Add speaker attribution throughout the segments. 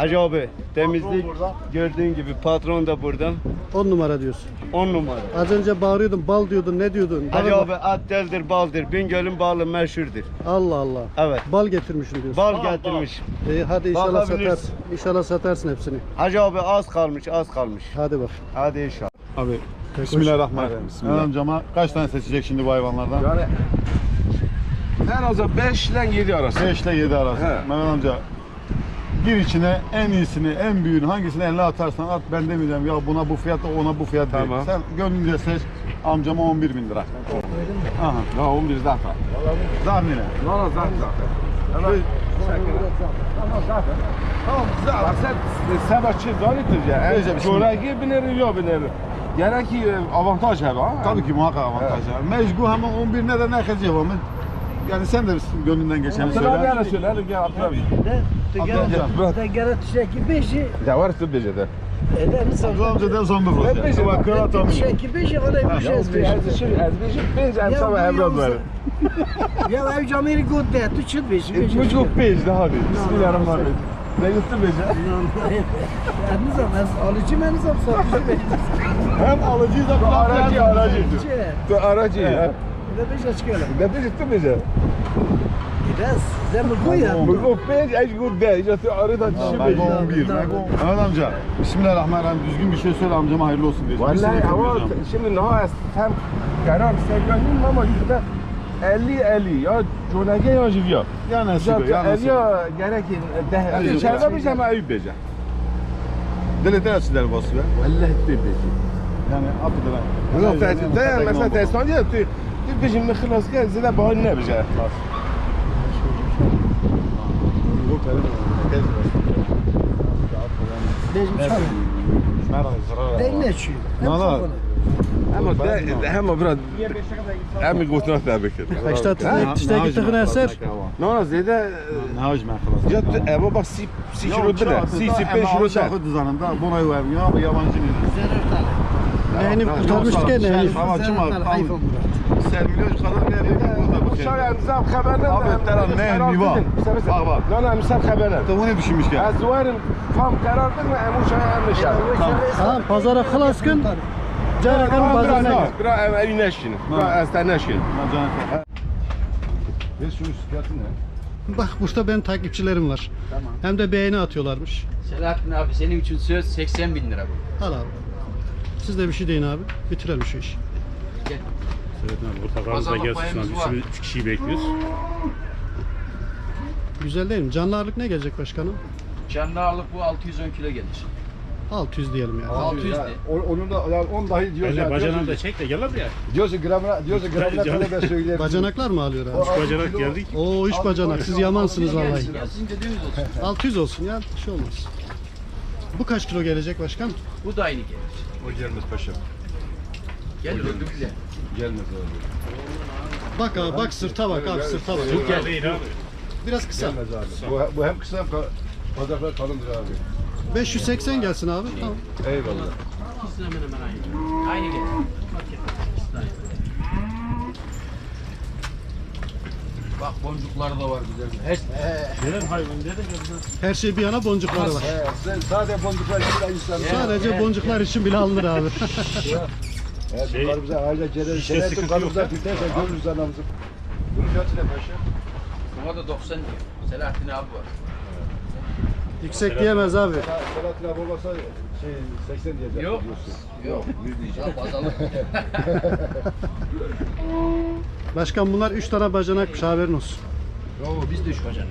Speaker 1: Hacı abi temizlik gördüğün gibi patron da burada.
Speaker 2: 10 numara diyorsun.
Speaker 1: 10 numara.
Speaker 2: Az önce bağırıyordun, bal diyordun, ne diyordun?
Speaker 1: Hacı
Speaker 2: Bana
Speaker 1: abi
Speaker 2: bak.
Speaker 1: at deldir baldır. Bingöl'ün balı meşhurdur.
Speaker 2: Allah Allah.
Speaker 1: Evet.
Speaker 2: Bal getirmişsin diyorsun.
Speaker 1: Bal getirmiş.
Speaker 2: Hadi inşallah
Speaker 1: Bakabilirsin.
Speaker 2: satarsın. İnşallah satarsın hepsini.
Speaker 1: Hacı abi az kalmış az kalmış.
Speaker 2: Hadi bak.
Speaker 1: Hadi inşallah.
Speaker 3: Abi Bismillahirrahmanirrahim. Mehmet amcama kaç tane seçecek şimdi bu hayvanlardan?
Speaker 4: Yani en az 5 ile 7 arası.
Speaker 3: 5 ile 7 arası.
Speaker 4: He.
Speaker 3: Mehmet amca gir içine en iyisini, en büyüğünü hangisini eline atarsan at, ben demeyeceğim ya buna bu fiyat ona bu fiyat değil.
Speaker 4: Tamam.
Speaker 3: Sen gönlünce seç, amcama 11.000 lira. Aha.
Speaker 4: Ya 11 zaten.
Speaker 3: Zahmine.
Speaker 4: No, zaten. Tamam, zaten. Sen sebepçi zannettir ya.
Speaker 3: Neyse,
Speaker 4: Çöreği binerim ya binerim. Gerek ki avantaj abi ha.
Speaker 3: Tabii ki muhakkak avantajlar. Mecbu hemen 11 ne de ne kadar ama yani sen de gönlünden geçeni
Speaker 4: Sen abi
Speaker 3: söyle.
Speaker 4: yana söyle. Hadi gel atla bir.
Speaker 3: Abdülhamca.
Speaker 5: Gara tişeki beşi
Speaker 4: Ya var üstü becede.
Speaker 5: eder misin?
Speaker 3: Abdülhamca del son bir
Speaker 4: Ben
Speaker 3: fırça.
Speaker 4: beşim.
Speaker 3: Bak kırat onu.
Speaker 5: Tişeki beşi ona bir şey
Speaker 4: Az beşim. Ben sana evlat verim.
Speaker 5: Ya ev camiri god de tu çıt beşi.
Speaker 4: Bu çok beş daha hadi. Bismillahirrahmanirrahim. Ne üstü becede.
Speaker 5: Nizam az alıcı mı nizam satıcı beşi.
Speaker 3: Hem alıcıyız hem
Speaker 4: Aracı. Aracı.
Speaker 5: Ne beşi çıkıyor.
Speaker 4: Ne beş üstü becede.
Speaker 5: Biraz zemir bu ya.
Speaker 4: Bu beş eş good de. İşte arada dişi beş.
Speaker 3: Mego 11. Mehmet amca, Bismillahirrahmanirrahim düzgün bir şey söyle amcama hayırlı olsun diyeceğim. Bir
Speaker 4: Vallahi
Speaker 3: sene
Speaker 4: ama
Speaker 3: kırmayacağım.
Speaker 4: şimdi ne hem karar sevgilim ama yüzde 50 ya Jonage ya Jivya.
Speaker 3: Ya nasibe, ya nasibe.
Speaker 4: Ya gerek de. İçeride bir zaman ayıp beca.
Speaker 3: Deli açılar bası be.
Speaker 4: Vallahi de beca.
Speaker 3: Yani apıdır.
Speaker 4: Yok de mesela testan diye tu bizim خلاص gel zile bahane ne beca.
Speaker 5: Beşim çay. Değil ne şu?
Speaker 3: Nala.
Speaker 4: Ama hem biraz hem gotuna tabii ki.
Speaker 2: Kaçta tişteki tıkın eser?
Speaker 4: Ne zede
Speaker 3: Ne hacı ben
Speaker 4: ya eva bak si kilo de si 5 kilo de.
Speaker 3: Şahı düzeninde buna yuvarım ya bu yabancı değil.
Speaker 2: Neyini kurtarmıştık ya neyini.
Speaker 3: Ama kim abi? Sermiliyor kadar ne yapayım burada bu
Speaker 4: Şöyle nizam haberler.
Speaker 3: Abi teran ne niva. Bak bak.
Speaker 4: لا لا مثال خبرنا
Speaker 3: Tavuğu ne düşünmüş ki?
Speaker 4: الزوار فهم قرار بدنا امو شاي ام شاي
Speaker 2: Tamam pazara kılas gün. Canakanın pazarına gel.
Speaker 4: برا اي ناشين برا استناشين
Speaker 3: Biz şunu fiyatı ne?
Speaker 2: Bak burada benim takipçilerim var.
Speaker 5: Tamam.
Speaker 2: Hem de beğeni atıyorlarmış.
Speaker 6: Selahattin abi senin için söz 80 bin lira bu.
Speaker 2: Al abi. Siz de bir şey deyin abi. Bitirelim şu işi.
Speaker 7: Evet abi portakalımız da
Speaker 6: Pazarlık
Speaker 7: gelsin şu an.
Speaker 6: payımız var.
Speaker 7: Biz 3 kişiyi bekliyoruz.
Speaker 2: Güzel değil mi? Canlı ağırlık ne gelecek başkanım?
Speaker 6: Canlı ağırlık bu 610 kilo gelir.
Speaker 2: 600 diyelim yani.
Speaker 6: 600 de.
Speaker 8: Onun da yani 10 dahi diyoruz.
Speaker 7: Öyle bacanağını da çek de gel abi ya.
Speaker 8: Diyorsun gramına
Speaker 7: Canım.
Speaker 8: kadar ben söyleyeyim.
Speaker 2: Bacanaklar mı alıyor abi?
Speaker 7: 3 bacanak geldik.
Speaker 2: Oo 3 bacanak. Siz yamansınız vallahi.
Speaker 6: Gelsin ya sizin dediğiniz olsun.
Speaker 2: 600 olsun ya. Bir şey olmaz. Bu kaç kilo gelecek başkan?
Speaker 6: Bu da aynı gelir.
Speaker 8: O gelmez paşam.
Speaker 6: Gelir öldü bize.
Speaker 8: Gelmez abi.
Speaker 2: Bak abi bak sırta bak abi sırta bak.
Speaker 7: Bu gel değil abi.
Speaker 2: Biraz kısa.
Speaker 8: Gelmez abi. Bu hem kısa hem bacaklar kalındır abi.
Speaker 2: 580 gelsin abi. Tamam.
Speaker 8: Eyvallah.
Speaker 6: İkisi hemen hemen aynı. Aynı gelir. Fark etmez. İkisi de aynı. Bak boncukları da var güzel.
Speaker 7: Gelen hayvan dedi
Speaker 2: Her şey bir yana boncukları var.
Speaker 8: Sen sadece boncuklar gibi insan.
Speaker 2: Sadece boncuklar için bile alınır abi.
Speaker 8: Çocuklarımıza aile cerel
Speaker 7: işte
Speaker 8: cerel
Speaker 7: sıkıntı
Speaker 8: kanımıza
Speaker 7: yok
Speaker 8: biterse görürüz anamızı. Bunun fiyatı ne paşam?
Speaker 6: Buna da 90 diyor. Selahattin abi var.
Speaker 2: Yüksek diyemez abi.
Speaker 8: Selahattin abi olmasa 80 diyecek.
Speaker 6: Yok.
Speaker 8: diyorsun.
Speaker 6: Yok. 100 diyeceğim. Pazarlık.
Speaker 2: Başkan bunlar 3 tane bacanakmış haberin olsun.
Speaker 6: Yo biz de 3 bacana.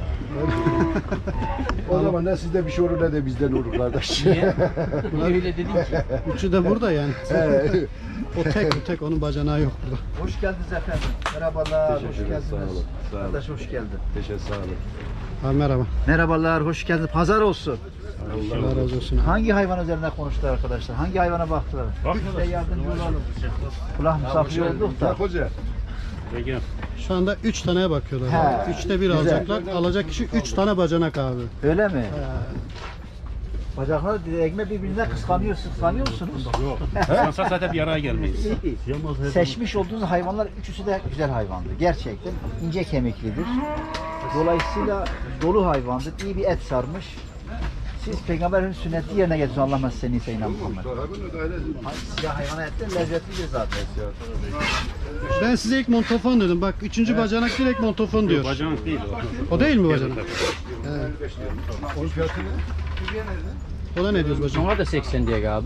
Speaker 8: O zaman ne sizde bir şey olur ne de bizden olur kardeş.
Speaker 6: Niye? Niye öyle dedin ki?
Speaker 2: Üçü de burada yani. O tek onun bacanağı yok burada.
Speaker 5: Hoş geldiniz efendim. Merhabalar. Hoş
Speaker 8: Teşekkür ederim,
Speaker 5: geldiniz.
Speaker 8: sağ olun, sağ olun.
Speaker 5: Kardeş hoş geldin.
Speaker 8: Teşekkür sağ olun.
Speaker 2: Abi merhaba.
Speaker 5: Merhabalar. Hoş geldin. Pazar olsun.
Speaker 2: Allah razı olsun abi.
Speaker 5: Hangi hayvan üzerine konuştular arkadaşlar? Hangi hayvana baktılar? Biz de yardımcı olalım. Kulak misafir olduk da.
Speaker 8: Bak hoca.
Speaker 7: Peki.
Speaker 2: Şu anda 3 taneye bakıyorlar.
Speaker 5: He.
Speaker 2: Abi. 3'te 1
Speaker 5: Güzel.
Speaker 2: alacaklar. Alacak kişi 3 tane bacanak abi.
Speaker 5: Öyle mi? Bacaklar direkme birbirine kıskanıyor musunuz?
Speaker 7: Yok. Sansa zaten bir araya gelmeyiz.
Speaker 5: İyi. Seçmiş olduğunuz hayvanlar üçüsü de güzel hayvandı. Gerçekten ince kemiklidir. Dolayısıyla dolu hayvandır. İyi bir et sarmış. Siz peygamberin sünneti yerine getiriyorsunuz. Allah nasıl seni ise inan Muhammed. Siyah hayvana et de lezzetlidir zaten.
Speaker 2: Ben size ilk montofon dedim. Bak 3. bacanak direkt montofon diyor.
Speaker 7: Bacanak değil o.
Speaker 2: O değil mi bacanak?
Speaker 8: Onun fiyatı ne?
Speaker 2: O da ne diyoruz bacanak?
Speaker 6: Ona da 80 diye abi.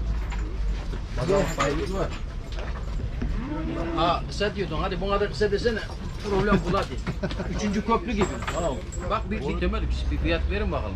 Speaker 6: Ha kısa diyordun, hadi buna da kısa desene. Problem bu hadi. 3. köprü gibi. Bak bir temel bir fiyat verin bakalım.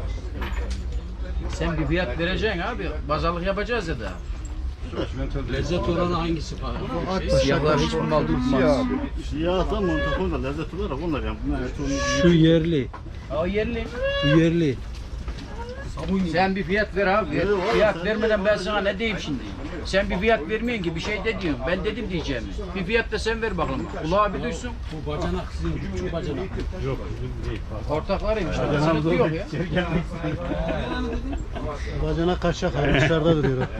Speaker 6: Sen bir fiyat vereceksin abi. Pazarlık yapacağız ya da. Lezzet oranı hangisi falan? Siyahlar hiç bundan tutmaz.
Speaker 3: Siyahtan montafon da lezzet olarak onlar yani. Bunlar
Speaker 2: Şu yerli.
Speaker 6: O yerli.
Speaker 2: Bu yerli.
Speaker 6: Sen bir fiyat ver abi. Fiyat vermeden ben sana ne diyeyim şimdi? Sen bir fiyat vermeyin ki bir şey de diyorsun. Ben dedim diyeceğimi. Bir fiyat da sen ver bakalım. Kulağı bir duysun.
Speaker 7: Bu bacanak sizin küçük bacanak. Yok bizim değil.
Speaker 6: Ortaklarıymış. Sınıfı yok ya.
Speaker 2: Bacanak kaçacak abi dışarıda duruyor o.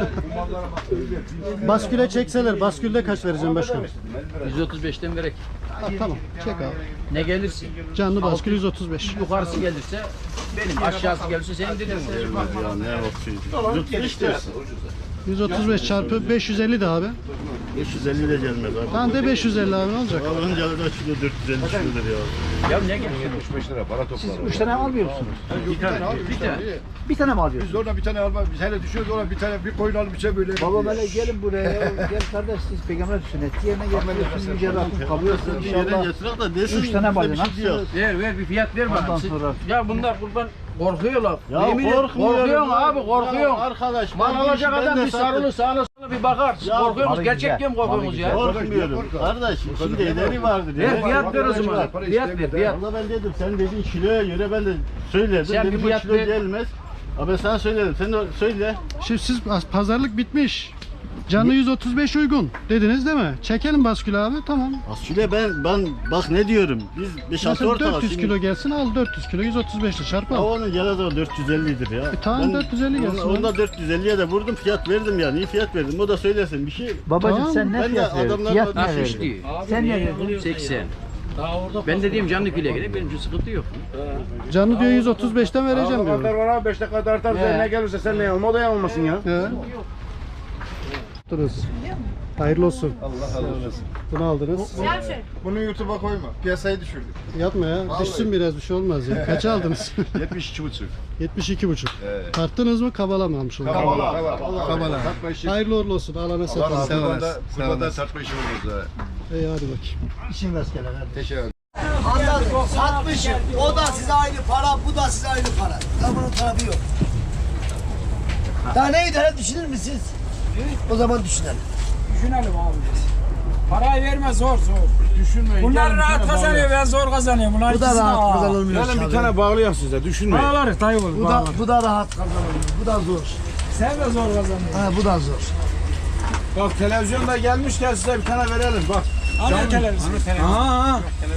Speaker 2: Basküle çekseler, baskülde kaç vereceğim başkanım?
Speaker 6: 135'ten verek.
Speaker 2: Ha, tamam çek abi.
Speaker 6: Ne gelirsin?
Speaker 2: Canlı baskül 135.
Speaker 6: Yukarısı gelirse benim, aşağısı gelirse senin dediğin olur.
Speaker 3: ya ne o şey. Lütfen istersin.
Speaker 2: 135 çarpı 550 de abi.
Speaker 3: 550 de gelmez abi.
Speaker 2: Tamam de 550 abi ne olacak?
Speaker 3: Alınca da kilo 450 kilodur ya.
Speaker 6: Ya ne geliyor?
Speaker 8: 75 lira para
Speaker 5: Siz
Speaker 8: toplar.
Speaker 5: 3 tane almıyor musunuz?
Speaker 6: Bir tane.
Speaker 5: Bir tane mi alıyorsunuz?
Speaker 8: Biz ona bir tane alma, biz hele düşüyoruz ona bir tane bir koyun alıp içe böyle.
Speaker 5: Baba böyle gelin buraya. Gel kardeş siz peygamber sünneti yerine getiriyorsunuz. Yüce Rabbim kabul etsin
Speaker 3: Bir yere
Speaker 5: inşallah.
Speaker 3: getirir de desin.
Speaker 5: 3 tane
Speaker 3: bizde bir
Speaker 5: bacanak.
Speaker 3: şey yok.
Speaker 6: Ver bir fiyat ver
Speaker 5: Ondan
Speaker 6: bana.
Speaker 5: sonra-
Speaker 6: Ya bunlar kurban korkuyorlar.
Speaker 3: Ya
Speaker 6: Yemin ederim,
Speaker 3: korkmuyorum
Speaker 6: korkuyorsun
Speaker 3: ya.
Speaker 6: abi korkuyorsun.
Speaker 3: Ya arkadaş,
Speaker 6: Mal
Speaker 3: ben
Speaker 6: alacak
Speaker 3: ben
Speaker 6: adam
Speaker 3: de
Speaker 6: bir
Speaker 3: sattım.
Speaker 6: sarılı sağına sola bir bakar. Siz
Speaker 3: Ya,
Speaker 6: korkuyorsunuz.
Speaker 5: malı
Speaker 6: Gerçek
Speaker 5: güzel,
Speaker 6: diye mi korkuyorsunuz ya?
Speaker 3: Korkmuyorum. Kardeş şimdi ederi vardır ya.
Speaker 6: Ver fiyat ver o zaman.
Speaker 8: Para
Speaker 6: Fiyat ver
Speaker 8: istemiyor.
Speaker 6: fiyat.
Speaker 3: Valla ben dedim sen dediğin kiloya göre ben de söyledim.
Speaker 6: Sen bir
Speaker 3: Dedim bu
Speaker 6: fiyat
Speaker 3: kilo
Speaker 6: ver.
Speaker 3: gelmez. Ama ben sana söyledim. Sen de söyle.
Speaker 2: Şimdi siz pazarlık bitmiş. Canlı 135 uygun dediniz değil mi? Çekelim baskülü abi tamam.
Speaker 3: Aslında ben bak ne diyorum. Biz 5-6
Speaker 2: Mesela
Speaker 3: ortalama.
Speaker 2: 400 kilo gelsin al 400 kilo 135 ile çarpı
Speaker 3: Ya
Speaker 2: al.
Speaker 3: onun gene de o 450'dir ya.
Speaker 2: tamam, 450 gelsin
Speaker 3: Onda
Speaker 2: abi.
Speaker 3: 450'ye de vurdum fiyat verdim yani. İyi fiyat verdim. O da söylesin bir şey.
Speaker 5: Babacım
Speaker 2: Tamam,
Speaker 5: sen ne
Speaker 3: ben de
Speaker 5: fiyat verdin?
Speaker 3: adamlarla-
Speaker 5: Fiyat ne
Speaker 6: Hafif
Speaker 5: verdin?
Speaker 6: diyor.
Speaker 5: Sen ne verdin?
Speaker 6: 80. Ben dediğim canlı fileye gidelim. Benim için sıkıntı yok.
Speaker 2: Canlı diyor 135'ten vereceğim
Speaker 4: Kadar
Speaker 2: diyor.
Speaker 4: var abi 5 dakika tartar ne gelirse sen ne yanılma o da yanılmasın ya.
Speaker 2: He. Duruz. Hayırlı olsun.
Speaker 8: Allah razı olsun.
Speaker 2: Bunu aldınız.
Speaker 8: Bunu YouTube'a koyma. Piyasayı düşürdük.
Speaker 2: Yapma ya. Düşsün biraz bir şey olmaz ya. Kaça aldınız?
Speaker 8: 72,5.
Speaker 2: 72,5.
Speaker 8: Evet.
Speaker 2: Tarttınız mı kabalamamış oldunuz.
Speaker 8: Kabala. Satma işi.
Speaker 2: Hayırlı uğurlu olsun. Alana
Speaker 8: Allah
Speaker 2: satalım.
Speaker 8: razı olsun. Kurbanda satma işi oluruz ha.
Speaker 2: İyi hadi bakayım.
Speaker 5: İşin rastgele kardeş.
Speaker 8: Teşekkür ederim.
Speaker 9: Anladım. Satmışım. O da size aynı para, bu da size aynı para. Ya bunun tarafı yok. Daha ne idare düşünür müsünüz? O zaman düşünelim.
Speaker 10: Düşünelim abi. Parayı verme zor. Düşünmeyin. Bunlar rahat kazanıyor, ben zor kazanıyorum. Bunlar
Speaker 9: Bu da
Speaker 10: ikisi de
Speaker 9: rahat
Speaker 10: ağır.
Speaker 9: kazanılmıyor.
Speaker 4: Gelin bir tane bağlayak size düşünmeyin.
Speaker 10: Bağlarız dayı olur.
Speaker 9: Bu da rahat kazanılıyor. Bu da zor.
Speaker 10: Sen de zor kazanıyorsun.
Speaker 9: Ha, bu da zor.
Speaker 4: Bak televizyonda gelmişken size bir tane verelim bak.
Speaker 10: Hani televizyon?
Speaker 4: Aha.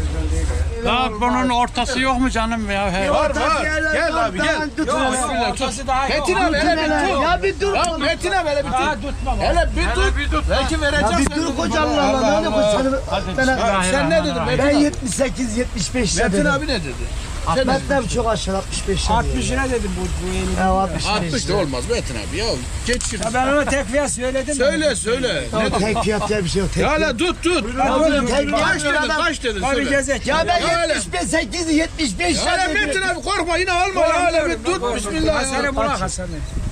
Speaker 10: Ya bunun ortası yok mu canım ya?
Speaker 4: Var Gel abi gel.
Speaker 10: Ortası daha yok.
Speaker 4: Metin abi hele bir dur.
Speaker 9: Ya bir dur.
Speaker 4: Ya Metin abi hele bir
Speaker 10: Daha
Speaker 4: dur.
Speaker 10: tutma.
Speaker 4: Hele bir dur. Belki
Speaker 9: Ya
Speaker 4: vereceğim.
Speaker 9: bir dur koca Allah. Ne koç
Speaker 4: Sen ne dedin Metin
Speaker 9: Ben
Speaker 4: abi?
Speaker 9: 78 75 lira
Speaker 4: Metin
Speaker 9: dedim.
Speaker 4: abi ne dedi?
Speaker 9: Ahmet'ten çok aşağı 65 lira.
Speaker 10: 60 lira dedim bu elini.
Speaker 9: Ya 65
Speaker 4: 60 da
Speaker 9: lira.
Speaker 4: olmaz Metin abi ya. Geç şimdi.
Speaker 10: Ya ben ona tek fiyat söyledim.
Speaker 4: Söyle.
Speaker 9: Tamam, tek fiyat diye bir şey yok. Tek
Speaker 4: Ya
Speaker 9: fiyat.
Speaker 4: hele tut.
Speaker 9: Ya oğlum, tek
Speaker 4: Kaç
Speaker 9: fiyat
Speaker 4: dedin
Speaker 9: adam.
Speaker 4: kaç dedin
Speaker 10: Abi
Speaker 4: söyle.
Speaker 10: gezek.
Speaker 9: Ya ben
Speaker 4: Ya öyle.
Speaker 9: 78 75
Speaker 4: Ya hele
Speaker 9: lira
Speaker 4: Metin
Speaker 9: dedim.
Speaker 4: abi korkma yine alma ya hele bir tut bismillah ya.
Speaker 10: Hasan'ı bırak Hasan'ı.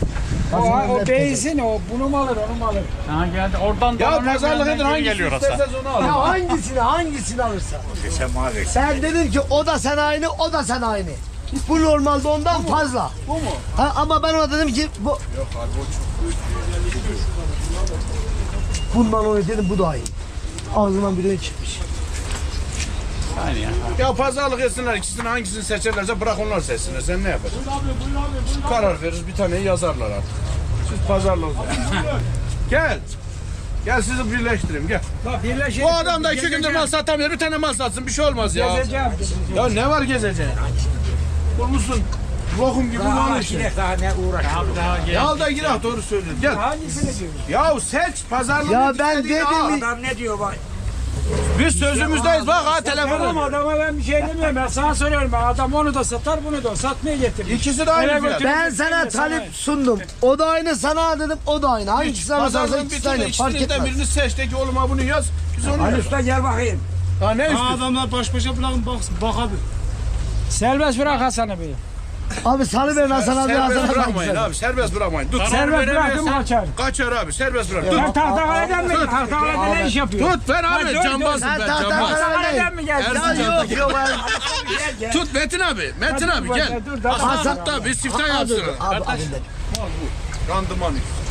Speaker 10: O beyzin o bunu mu alır onu mu alır? Ha geldi oradan
Speaker 4: Ya pazarlık edin hangisini isterseniz onu alın.
Speaker 9: Ya hangisini alırsan. Ben dedim ki o da sen aynı, o da sen aynı. Bu normalde ondan fazla.
Speaker 4: Bu mu?
Speaker 9: Ha, ama ben ona dedim ki bu... Yok abi o çok... Bundan onu dedim bu da iyi. Ağzından bir çıkmış.
Speaker 4: Ya pazarlık etsinler ikisini hangisini seçerlerse bırak onlar seçsinler. Sen ne yapacaksın? Karar veririz bir taneyi yazarlar artık. Siz pazarlık Gel. Gel sizi birleştireyim gel. Bu adam da 2 gündür mal satamıyor. Bir tane mal satsın bir şey olmaz ya.
Speaker 10: Gezeceğim.
Speaker 4: Ya ne var gezeceğin? Bulmuşsun. Lokum gibi mal işte.
Speaker 10: Daha ne uğraş.
Speaker 4: Ya al da gir doğru söylüyorsun. Gel.
Speaker 10: Hangisini diyorsun?
Speaker 4: Ya seç pazarlık.
Speaker 9: Ya ben dedim...
Speaker 10: Adam ne diyor bak?
Speaker 4: Biz sözümüzdeyiz bak ha
Speaker 10: Tamam
Speaker 4: telefonu.
Speaker 10: adama ben bir şey demiyorum. Ben sana soruyorum. Ben adam onu da satar bunu da satmaya getirmiş.
Speaker 4: İkisi de aynı
Speaker 10: Eve
Speaker 4: fiyat.
Speaker 10: götürüp
Speaker 9: Ben sana
Speaker 10: getireyim de
Speaker 9: talip sundum. O da aynı sana dedim. O da aynı. Hangisi sana sorsa
Speaker 4: Pazarlığın
Speaker 9: ikisi
Speaker 4: bütün
Speaker 9: aynı. Fark
Speaker 4: ikisinden
Speaker 9: etmez.
Speaker 4: birini seç de ki oğluma bunu yaz. Biz onu
Speaker 10: Ali
Speaker 4: yaz.
Speaker 10: Usta gel bakayım.
Speaker 4: Ha ne istiyorsun?
Speaker 7: Adamlar baş başa bırakın bak abi.
Speaker 10: Serbest bırak Hasan'ı bir.
Speaker 9: Abi salıverin Hasan abi.
Speaker 4: Serbest
Speaker 9: Hasan abi.
Speaker 4: bırakmayın abi serbest bırakmayın. Tut.
Speaker 10: Serbest bıraktım kaçar.
Speaker 4: Kaçar abi serbest bırak.
Speaker 10: Sen
Speaker 4: Tut.
Speaker 10: Tahtakale'den mi? Tahtakale'de ne iş yapıyorsun?
Speaker 4: Tut ben abi
Speaker 10: dur,
Speaker 4: cambazım
Speaker 9: Sen
Speaker 4: ben cambaz.
Speaker 10: Tahtakale'den mi geldin?
Speaker 9: Ya yok yok.
Speaker 10: Gel gel.
Speaker 4: Tut Metin abi. Metin abi gel.
Speaker 10: Dur,
Speaker 4: Hasan tut da bir siftah yapsın.
Speaker 9: Abi
Speaker 4: Randıman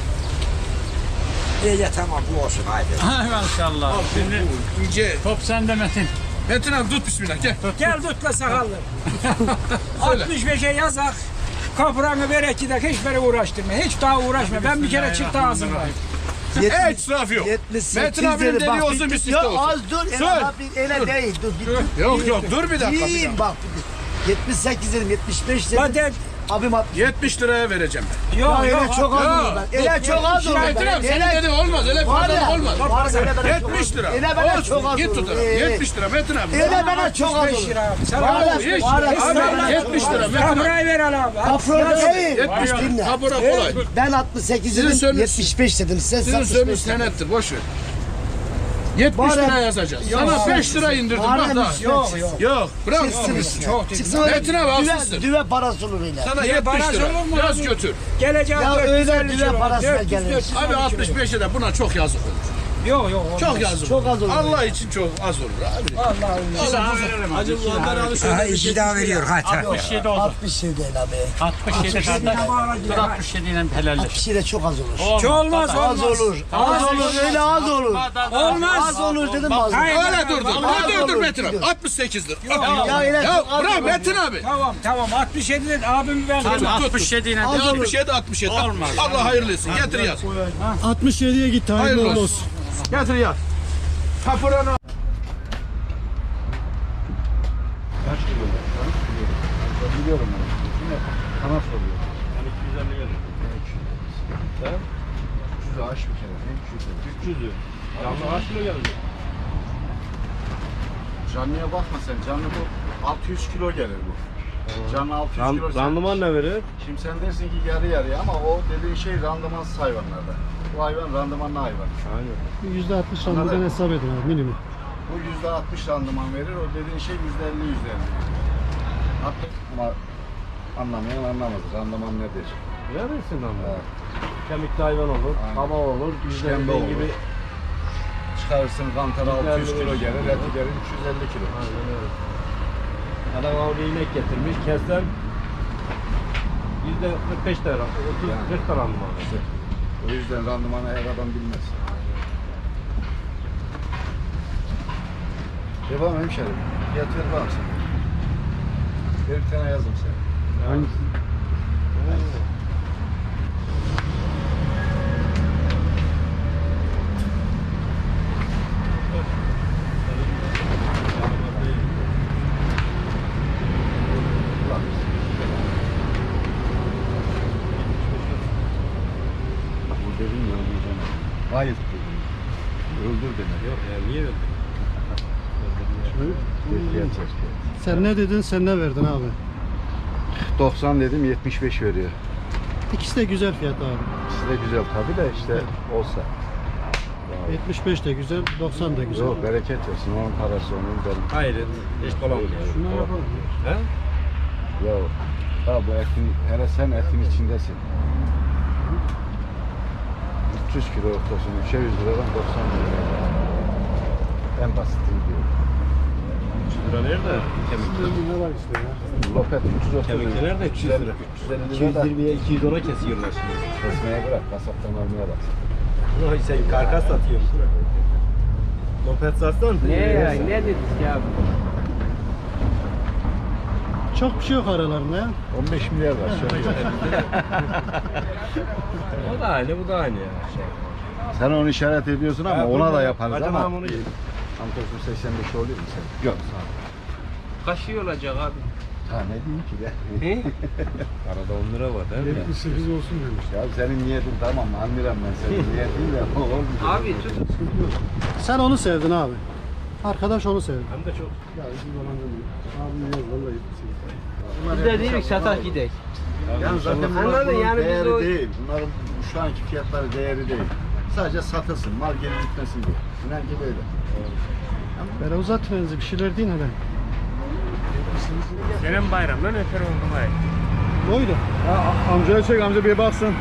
Speaker 10: İyi tamam bu olsun haydi.
Speaker 7: Hay maşallah. Şimdi
Speaker 4: ince.
Speaker 7: top sende Metin.
Speaker 4: Metin abi tut bismillah gel.
Speaker 10: Gel tut la sakallı. 65'e yazak. Kapıranı ver 2 dakika hiç beni uğraştırma. Hiç daha uğraşma. Ben bir kere çıktı ağzımdayım.
Speaker 4: Hiç israf yok.
Speaker 9: 78
Speaker 4: Metin abinin
Speaker 9: dedi, bak,
Speaker 4: dediği olsun bir siftah
Speaker 9: Yok
Speaker 4: olsun.
Speaker 9: az dur.
Speaker 4: Söyle.
Speaker 9: Ele bak bir ele değil. Dur bir
Speaker 4: Yok yok dur bir dakika. Bir
Speaker 9: Değil
Speaker 4: dakika.
Speaker 9: bak. 78 dedim 75 dedim.
Speaker 10: Hadi.
Speaker 9: Abim 60.
Speaker 4: 70 liraya vereceğim ben.
Speaker 10: Yok
Speaker 9: Ya ele
Speaker 10: yok.
Speaker 9: çok az
Speaker 4: yok.
Speaker 9: olur ben. Ele çok az olur
Speaker 4: Metin
Speaker 9: ben.
Speaker 4: abi senin dediğin olmaz. Öyle
Speaker 9: Var ya.
Speaker 4: fazla olmaz.
Speaker 9: Var ya, ele bana çok
Speaker 4: 70
Speaker 9: az-
Speaker 4: lira.
Speaker 9: Ele bana
Speaker 4: Olsun,
Speaker 9: çok az
Speaker 4: git
Speaker 9: olur.
Speaker 4: tut. 70 lira Metin abi.
Speaker 9: Ele bana çok az
Speaker 10: 65
Speaker 9: olur.
Speaker 10: lira. Sen
Speaker 9: Var ya,
Speaker 10: abi.
Speaker 4: Hiç.
Speaker 9: var ya,
Speaker 4: Abi
Speaker 9: sana-
Speaker 4: 70 lira Metin abi.
Speaker 10: Kamerayı ver abi.
Speaker 9: Kapron değil.
Speaker 4: 70
Speaker 9: Dinle.
Speaker 4: lira. Kapora kolay.
Speaker 9: Ben 68
Speaker 4: Sizin
Speaker 9: dedim
Speaker 4: sönüş-
Speaker 9: 75 dedim. Sen
Speaker 4: Sizin
Speaker 9: 65
Speaker 4: sönüş
Speaker 9: dedin.
Speaker 4: senettir boş ver. 70
Speaker 9: Var ya-
Speaker 4: lira yazacağız. Sana 5 lira indirdim
Speaker 9: Var
Speaker 4: bak
Speaker 9: ya,
Speaker 4: daha.
Speaker 9: yok,
Speaker 4: Yok bırak.
Speaker 10: Çok
Speaker 9: Çıksın öyle
Speaker 4: Metin abi
Speaker 9: düve,
Speaker 4: haksızsın.
Speaker 9: düve parası olur öyle.
Speaker 4: Sana
Speaker 10: Niye
Speaker 4: 70
Speaker 10: baraj
Speaker 4: lira.
Speaker 10: olur mu
Speaker 4: Yaz
Speaker 10: abi?
Speaker 4: götür.
Speaker 10: Geleceğim
Speaker 9: Ya
Speaker 10: 450
Speaker 9: öyle düve
Speaker 10: kilo.
Speaker 9: parasına
Speaker 10: 400,
Speaker 9: gelir.
Speaker 10: 450
Speaker 4: Abi
Speaker 10: kilo.
Speaker 4: 65'e de buna çok yazık olur.
Speaker 10: Yok yok. olmaz.
Speaker 4: Çok yazık
Speaker 9: Çok
Speaker 4: olur.
Speaker 9: az olur.
Speaker 4: Allah için çok az olur abi.
Speaker 10: Allah
Speaker 7: Acı bulanlar alışıyor.
Speaker 10: İki daha veriyor hadi.
Speaker 7: 67 oldu.
Speaker 9: 67 değil abi.
Speaker 7: 67 kardeş. Dur 67 ile helalleş.
Speaker 9: 67 çok az olur.
Speaker 10: Çok olmaz
Speaker 9: Az
Speaker 10: olmaz.
Speaker 9: olur. Az olur öyle az olur.
Speaker 10: Olmaz.
Speaker 9: Az olur dedim az olur.
Speaker 10: Hayır.
Speaker 4: Öyle durdur.
Speaker 9: Az
Speaker 4: Öyle durdur
Speaker 9: olur.
Speaker 4: Metin abi. 68'dir.
Speaker 9: Ya öyle
Speaker 4: Ya
Speaker 9: çok az
Speaker 4: bırak
Speaker 9: olur.
Speaker 4: Metin abi.
Speaker 10: Tamam 67 dedi abim ben.
Speaker 7: Hadi
Speaker 4: tut.
Speaker 7: 67 ile
Speaker 9: Az olur.
Speaker 4: 67 67.
Speaker 7: Olmaz.
Speaker 4: Allah hayırlı etsin. Getir yaz.
Speaker 2: 67'ye git. Hayırlı
Speaker 4: Hayırlı
Speaker 2: uğurlu
Speaker 4: olsun.
Speaker 2: olsun.
Speaker 4: Getir yaz. Kapuranı.
Speaker 3: Biliyorum ben. Şimdi sana soruyor.
Speaker 7: Yani 250 gelir.
Speaker 3: 300'ü aş bir kere. Ne 300'ü?
Speaker 7: 300'ü. Canlı kaç kilo gelir?
Speaker 3: Canlıya bakma sen. Canlı bu 600 kilo gelir bu. Canlı 600 kilo.
Speaker 1: Randıman ne verir?
Speaker 3: Şimdi sen dersin ki yarı yarıya ama o dediğin şey randımansız hayvanlarda. Bu hayvan randımanlı hayvan.
Speaker 1: Aynen.
Speaker 2: %60 randıman hesap edin abi minimum.
Speaker 3: Bu %60 randıman verir. O dediğin şey %50 %50. Hatta ama anlamayan anlamaz. Randıman nedir?
Speaker 1: Verirsin ama.
Speaker 3: Evet.
Speaker 1: Kemikli hayvan olur,
Speaker 3: Aynen.
Speaker 1: kaba olur,
Speaker 3: İşkembe
Speaker 1: bizden
Speaker 3: olur.
Speaker 1: gibi.
Speaker 3: Çıkarırsın kantara 600 kilo gelir, eti gelir 350 kilo.
Speaker 1: Aynen öyle. Adam avlu inek getirmiş, kessen %45 lira, 30-40 lira mı var?
Speaker 3: O yüzden randımanı her adam bilmez. Yapamam hemşerim. Fiyat ver bakalım sen. Bir tane yazdım sen.
Speaker 1: Hangisi?
Speaker 3: Bu dedim ya öldüreceğim. Hayır dedim. Öldür demek.
Speaker 1: Yok ya niye öldün?
Speaker 3: Gerçek.
Speaker 2: Sen ne dedin, sen ne verdin abi?
Speaker 3: 90 dedim 75 veriyor.
Speaker 2: İkisi de güzel fiyat abi.
Speaker 3: İkisi de güzel tabii de işte olsa.
Speaker 2: 75 de güzel, 90 da güzel.
Speaker 3: Yok bereket versin onun parası onun benim.
Speaker 1: Hayır, hiç dolanmıyor.
Speaker 2: Şuna yapalım.
Speaker 1: He?
Speaker 3: Ya ha bu etin, hele sen etin içindesin. 300 kilo ortasını 3'e 100 liradan 90 lira. En basitini diyor.
Speaker 1: 300 lira nerede? Kemikli.
Speaker 2: Ne var işte ya?
Speaker 3: Lopet 330
Speaker 1: Kemikli nerede? 300 lira.
Speaker 3: 350 lira da
Speaker 1: 220'ye 200 dolar kesiyorlar şimdi.
Speaker 3: kesmeye bırak, kasaptan almaya bak.
Speaker 1: Ay sen karkas satıyorsun. Lopet satsan.
Speaker 6: Ne dedik ya?
Speaker 2: Çok bir şey yok aralarında ya.
Speaker 3: 15 milyar var şöyle.
Speaker 1: O da aynı, bu da aynı ya.
Speaker 3: Sen onu işaret ediyorsun ama ona da yaparız
Speaker 1: Acaba
Speaker 3: ama.
Speaker 1: onu
Speaker 3: Antos'un 85 oluyor mu sen? Yok sağ ol.
Speaker 6: Kaç şey olacak abi?
Speaker 3: Ha ne diyeyim ki de.
Speaker 1: Arada 10 lira var değil mi?
Speaker 2: 78 olsun demiş.
Speaker 3: Ya senin niyetin tamam anlıyorum ben senin niyetin de olmuyor.
Speaker 6: Abi tut.
Speaker 2: Sen onu sevdin abi. Arkadaş onu sevdi.
Speaker 7: Hem de çok.
Speaker 5: Biz de dedik satak gidek.
Speaker 3: Yani zaten bunlar bunun değeri değil. Bunların şu anki fiyatları değeri değil. Sadece satılsın, mal geri gitmesin diye. İnan ki böyle.
Speaker 2: Böyle uzatmayınız bir şeyler deyin hele.
Speaker 7: Senin bayramdan öter oldum ay.
Speaker 2: Ne oydu?
Speaker 3: Amcaya çek, amca bir baksın.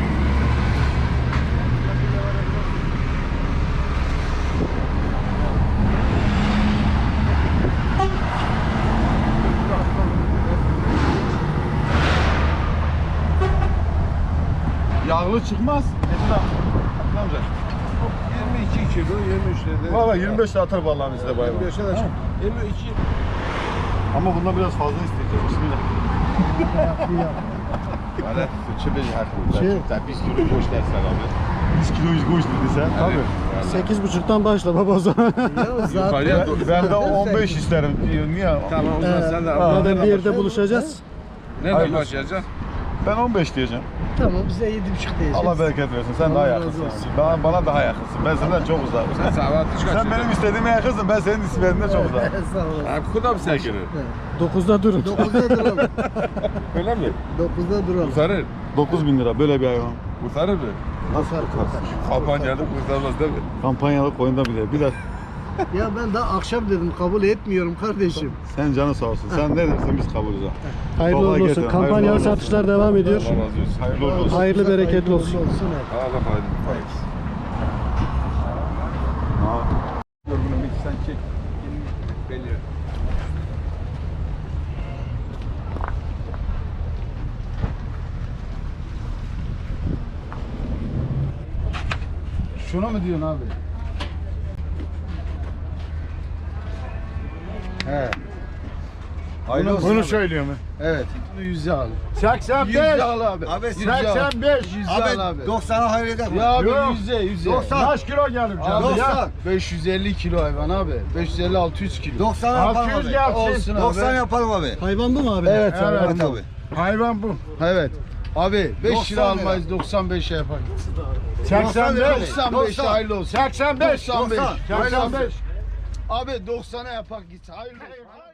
Speaker 3: Yağlı çıkmaz. Amca.
Speaker 4: 22 kilo 23 lira.
Speaker 3: Valla 25 de atar vallahi bizde bayram.
Speaker 4: 25'e de 22.
Speaker 3: Ama bundan biraz fazla isteyeceğiz. Bismillah. Valla çöpe haklı. Biz kilo boş dersen abi. Biz kilo boş dedi sen. Tabii.
Speaker 2: 8,5'tan başla baba o zaman.
Speaker 4: Yukarıya doğru.
Speaker 3: Ben de 15 isterim. Niye?
Speaker 4: Tamam o zaman sen de
Speaker 2: Madem bir yerde buluşacağız.
Speaker 4: nereden başlayacaksın?
Speaker 3: Ben 15 diyeceğim.
Speaker 9: Tamam bize 7,5 diyeceğiz.
Speaker 3: Allah bereket versin. Sen daha yakınsın. Bana daha yakınsın. Ben senden çok uzağım.
Speaker 4: Sen saat
Speaker 3: Sen benim istediğime yakınsın. Ben senin istediğinden çok uzağım.
Speaker 9: Sağ olun.
Speaker 4: Abi kuda mı sen girir?
Speaker 2: 9'da durun.
Speaker 9: 9'da duralım.
Speaker 4: Öyle mi?
Speaker 9: 9'da duralım.
Speaker 4: Kurtarır.
Speaker 3: 9.000 lira böyle bir hayvan.
Speaker 4: Kurtarır mı?
Speaker 3: Nasıl kurtarsın?
Speaker 4: Kampanyada kurtarmaz değil mi?
Speaker 3: Kampanyalı koyunda bile. Bir de
Speaker 9: Ya ben daha akşam dedim kabul etmiyorum kardeşim.
Speaker 3: sen canı sağ olsun. Sen ne dersin biz kabulüz ha.
Speaker 2: Hayırlı
Speaker 3: Kolay
Speaker 2: uğurlu olsun.
Speaker 3: gelsin.
Speaker 2: Kampanyalı
Speaker 3: Hayırlı uğurlu
Speaker 2: satışlar devam ediyor.
Speaker 4: Allah razı olsun.
Speaker 3: Hayırlı uğurlu olsun.
Speaker 2: Hayırlı bereketli olsun.
Speaker 4: Allah hayırlı.
Speaker 3: Bunu bir sen çek.
Speaker 4: Belli.
Speaker 3: Şuna mı diyorsun abi? He. Bunu söylüyor mu? Evet. 100 al. 85. 100 al abi. Abi 85. 100 al abi.
Speaker 9: 90'a hayır eder.
Speaker 3: Ya abi 100'e.
Speaker 9: 90.
Speaker 3: Kaç kilo gelir canım
Speaker 9: 90.
Speaker 3: ya? 550 kilo hayvan abi. 550-600 kilo.
Speaker 9: 90 yapalım
Speaker 3: 600
Speaker 9: abi.
Speaker 3: gelsin.
Speaker 9: Olsun abi. 90 yapalım abi.
Speaker 2: Hayvan bu mu abi?
Speaker 3: Evet,
Speaker 9: Evet
Speaker 3: evet
Speaker 9: abi.
Speaker 3: Hayvan bu. Evet. Abi 5
Speaker 9: 90
Speaker 3: lira
Speaker 9: lira.
Speaker 3: almayız 95'e yapar.
Speaker 9: 90 lira.
Speaker 3: 85 hayırlı olsun. 85.
Speaker 9: 90.
Speaker 3: 85. Abi 90'a yapar git. Hayırlı olsun.